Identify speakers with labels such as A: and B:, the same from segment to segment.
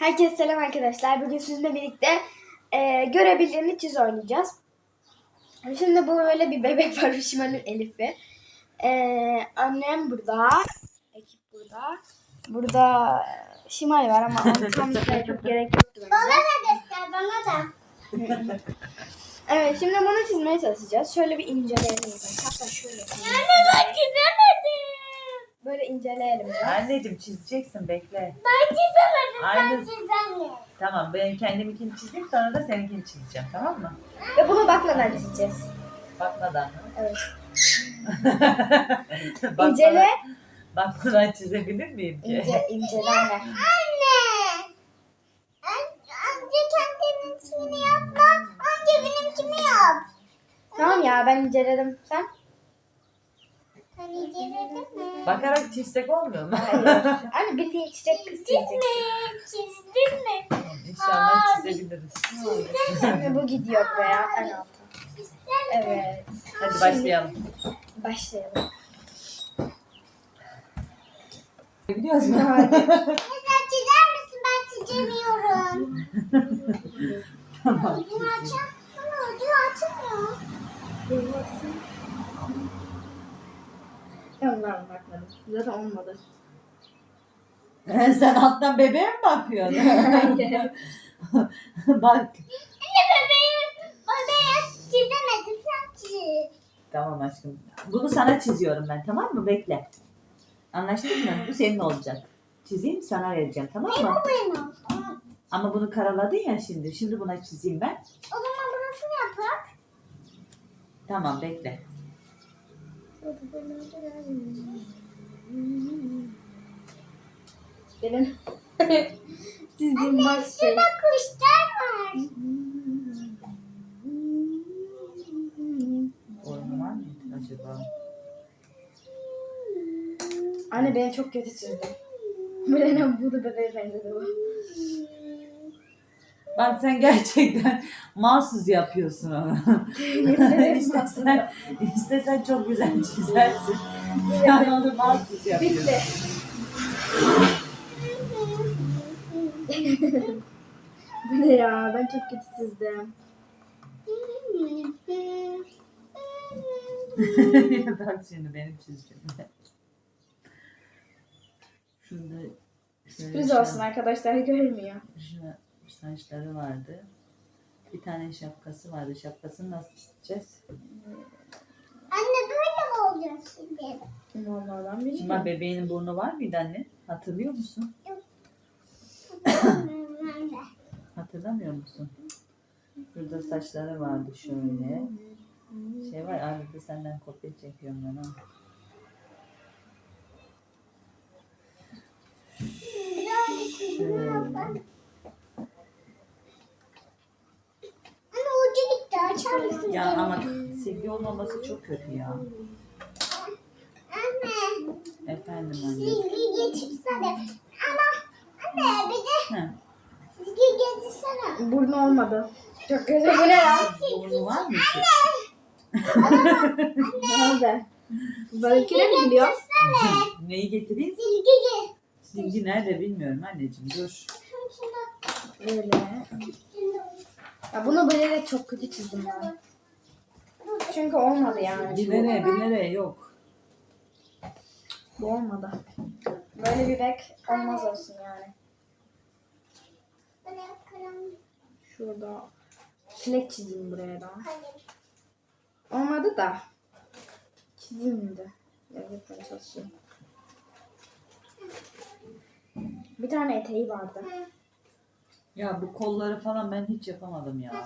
A: Herkese selam arkadaşlar. Bugün sizinle birlikte görebildiğini çiz oynayacağız. Şimdi bu böyle bir bebek var. Şimal'in Elif'i. Annem burada. Ekip burada. Burada Şimal var ama onu tanıtmaya çok gerek yoktu bence.
B: Bana da göster, bana da.
A: Evet, şimdi bunu çizmeye çalışacağız. Şöyle bir inceleyelim. Hatta şöyle.
B: Anne ben çizemedim.
A: Böyle inceleyelim biraz.
C: Anneciğim çizeceksin, bekle.
B: Ben çizemedim,
C: Aynı-
B: ben çizemiyorum.
C: Tamam, ben kendiminkini çizeyim, sonra da seninkini çizeceğim, tamam mı?
A: Ve bunu bakmadan çizeceğiz.
C: Bakmadan mı?
A: Evet.
C: Bakmadan-
A: İncele.
C: Bakmadan çizebilir miyim ki?
A: İncele anne.
B: Anne. Önce kendininkini yapma, önce benimkini yap.
A: Tamam ya, ben inceledim. Sen?
B: Sen inceledin mi?
C: Bakarak çizsek olmuyor mu?
A: Anne bildiğin çiçek kız
B: Çizdin
A: çizeceksin.
B: mi? Çizdin mi?
C: İnşallah
B: Aa,
C: çizebiliriz.
A: Şimdi bu gidiyor buraya en alta.
B: Çizdin mi?
A: Evet.
C: Hadi başlayalım.
A: Başlayalım.
C: Biliyoruz mu?
A: Hadi.
B: Sen çizer misin? Ben çizemiyorum.
C: Tamam.
B: Ucunu açar. Ama ucunu açmıyor.
A: Tamam ben bakmadım. Zaten olmadı.
C: Sen alttan bebeğe mi bakıyorsun?
A: Hayır.
C: Bak.
B: Anne bebeği çizemedim, sen çiz.
C: Tamam aşkım. Bunu sana çiziyorum ben, tamam mı? Bekle. Anlaştık mı? Bu senin olacak. Çizeyim, sana vereceğim, tamam mı?
B: Bu benim.
C: Ama bunu karaladın ya şimdi. Şimdi buna çizeyim ben.
B: O zaman burasını yapak.
C: Tamam, bekle.
A: Benim çizdiğim baş şey.
B: Şurada kuşlar var.
C: Oyunu var mıydı acaba?
A: Anne beni çok kötü çizdi. Benim bu da bebeğe benzedi bu.
C: Bak sen gerçekten mahsus yapıyorsun onu. istesen çok güzel çizersin. Sen onu mahsus yapıyorsun.
A: Bitti. Bu ne ya? Ben çok kötü çizdim.
C: Bak şimdi benim çizdiğimde. Şurada
A: Sürpriz olsun arkadaşlar, görmüyor.
C: Şuna saçları vardı. Bir tane şapkası vardı. Şapkasını nasıl çizeceğiz?
B: Anne böyle mi olacak şimdi?
A: Normalden
C: Şimdi
A: bilmiyorum.
C: bebeğinin burnu var mıydı anne? Hatırlıyor musun?
B: Ben de.
C: Hatırlamıyor musun? Burada saçları vardı şöyle. Şey var, arada senden kopya çekiyorum ben ha.
B: Birazcık
C: Şöyle.
B: Anne ucu gitti, açar mısın?
C: Ya ama silgi olmaması çok kötü ya.
B: Anne,
C: Efendim anne.
B: silgi getirsene. Ama anne bir de
C: Heh.
B: silgi getirsene.
A: Burnu olmadı. Çok kötü. Bu ne ya?
C: Burnu var mı ki?
A: Ne oldu? Benimkine mi gidiyor?
B: Getirsene.
C: Neyi getireyim?
B: Silgi getir.
C: Silgi nerede bilmiyorum anneciğim, dur.
A: Böyle. Ya bunu böyle çok kötü çizdim ben. Çünkü olmadı yani.
C: Bir nereye yok.
A: Bu olmadı. Böyle bir bek olmaz olsun yani. Şurada çilek çizeyim buraya da. Olmadı da. Çizeyim de. Yazıkla çalışayım. Bir tane eteği vardı.
C: Ya bu kolları falan ben hiç yapamadım ya.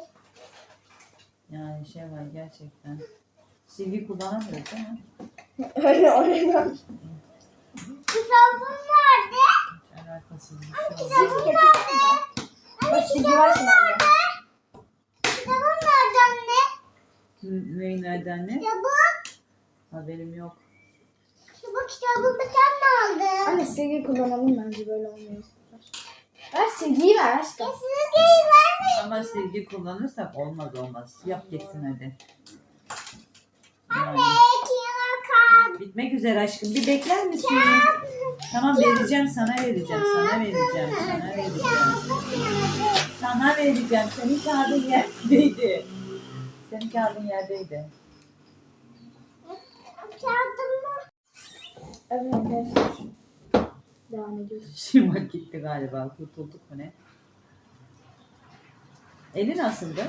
C: Yani şey var gerçekten. Silgi kullanamıyoruz değil mi?
A: Öyle öyle.
B: Kitabım nerede?
C: Hiç alakasız bir şey oldu.
B: Kitabım nerede?
A: Bak silgi var şimdi anne.
B: Kitabım nerede anne?
C: Neyi nereden ne?
B: Kitabım.
C: Haberim yok.
B: Bu kitabımı sen mi aldın?
A: Anne silgi kullanalım, bence böyle olmuyor. Ver silgiyi ver aşkım.
B: Silgiyi vermeyin.
C: Ama silgi kullanırsak olmaz. Yap geçsin hadi.
B: Anne, kenara kaldı.
C: Bitmek üzere aşkım. Bir bekler misin? Tamam vereceğim, sana vereceğim, sana vereceğim, sana vereceğim. Sana vereceğim. Senin kağıdın yerdeydi. Senin kağıdın yerdeydi.
A: Evet arkadaşlar. Devam ediyoruz.
C: Şimdi gitti galiba. Kurtulduk mu ne? Eli nasıldı?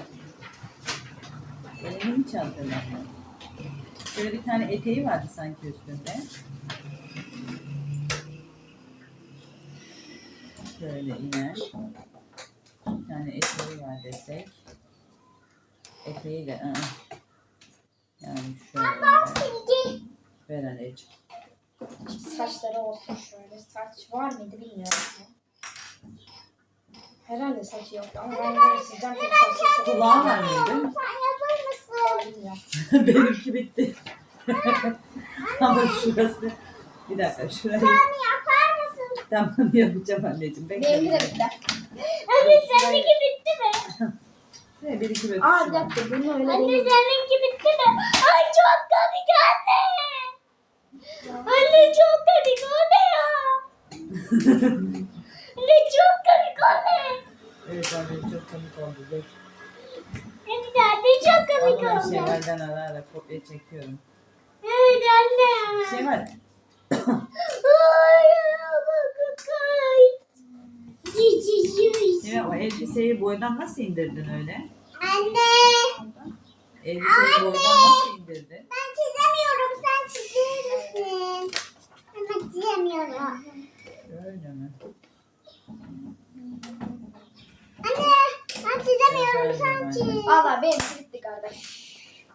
C: Elini hiç hatırlamıyorum. Şöyle bir tane eteği vardı sanki üstünde. Şöyle iner. Bir tane eteği var desek. Eteği de yani şöyle. Ver anneciğim.
A: Saçları olsun şöyle. Saç var mıydı bilmiyorum. Herhalde saçı yoktu ama ben böyle sizden çok saçı çok
C: Kulağı var mıydı?
B: Sen yapar mısın?
A: bilmiyorum.
C: Benimki bitti. Ama şurası. Bir dakika şurayı.
B: Sen yapar mısın?
C: Tamam yapacağım anneciğim. Bekle.
A: Benimki de bitti.
B: Anne seninki bitti mi?
C: Ne bir iki böyle
A: Aa bir
C: şu var.
A: dakika bunu öyle
B: Anne
A: değil.
B: seninki bitti mi? Ay çok komik anne. Anne çok komik o ne ya? Anne çok komik o ne?
C: Evet anne çok komik oldu. Dur.
B: Anne çok komik
C: Vallahi
B: oldu.
C: şeylerden ara ara kopya çekiyorum.
B: Evet anne.
C: Şey var.
B: Ay bak ay.
C: Şey, o elbiseyi boydan nasıl indirdin öyle?
B: Anne.
C: Elbiseyi boydan nasıl indirdin?
B: Ben çizemiyorum. Sen çizer misin? Ben çizemiyorum.
C: Öyle mi?
B: Anne ben çizemiyorum. Sen çiz.
A: Valla benimki bitti kardeş.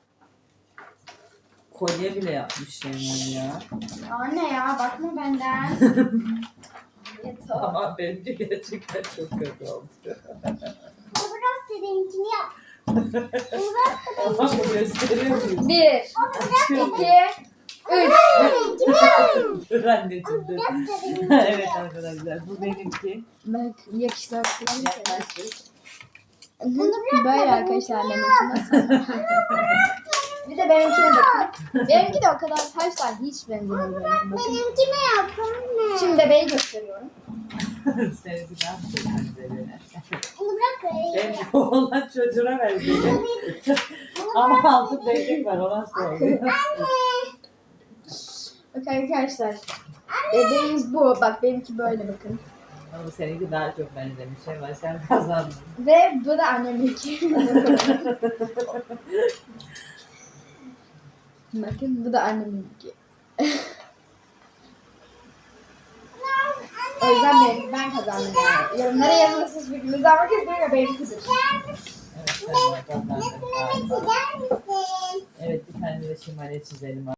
C: Kolye bile yapmış Şeyman ya.
A: Anne ya bakma benden. Yeter.
C: Ama benimki gerçekten çok kötü oldu.
B: Bırak da benimkini yap. Bırak da
C: Ama bu gösteriyor muyuz?
A: 1,
C: Açıyorum.
A: 2, 3.
B: benimkini yap.
C: Dur anneciğim dur.
B: Bırak da benimkini
C: Evet arkadaşlar bu benimki.
A: Bak yakışlar falan.
C: Yaklaştık.
A: Böyle arkadaşlar benimki nasıl? Bir de benimkine bakın. Benimki de o kadar taşlar hiç benzemiyor benimki. Bakın.
B: Benimkini yap anne.
A: Şimdi bebeği gösteriyorum.
C: Seni bir daha söyleyeyim.
B: Bırak da
C: Benim oğlan çocuğuna benziyor. Ama altı değnek var ona söylüyor.
A: Bak arkadaşlar. Bebeğimiz bu. Bak benimki böyle bakın.
C: Ama seninki daha çok benzemiş. Şey sen kazandın.
A: Ve bu da anneminki. Bakın bu da anneminki. O yüzden ben kazandım yani. Yorumlara yazın siz fikrinizi ama kesinlikle benimkidir.
C: Evet sen kazandın.
B: Resmimi çizer misin?
C: Evet bir tane de şimale çizelim.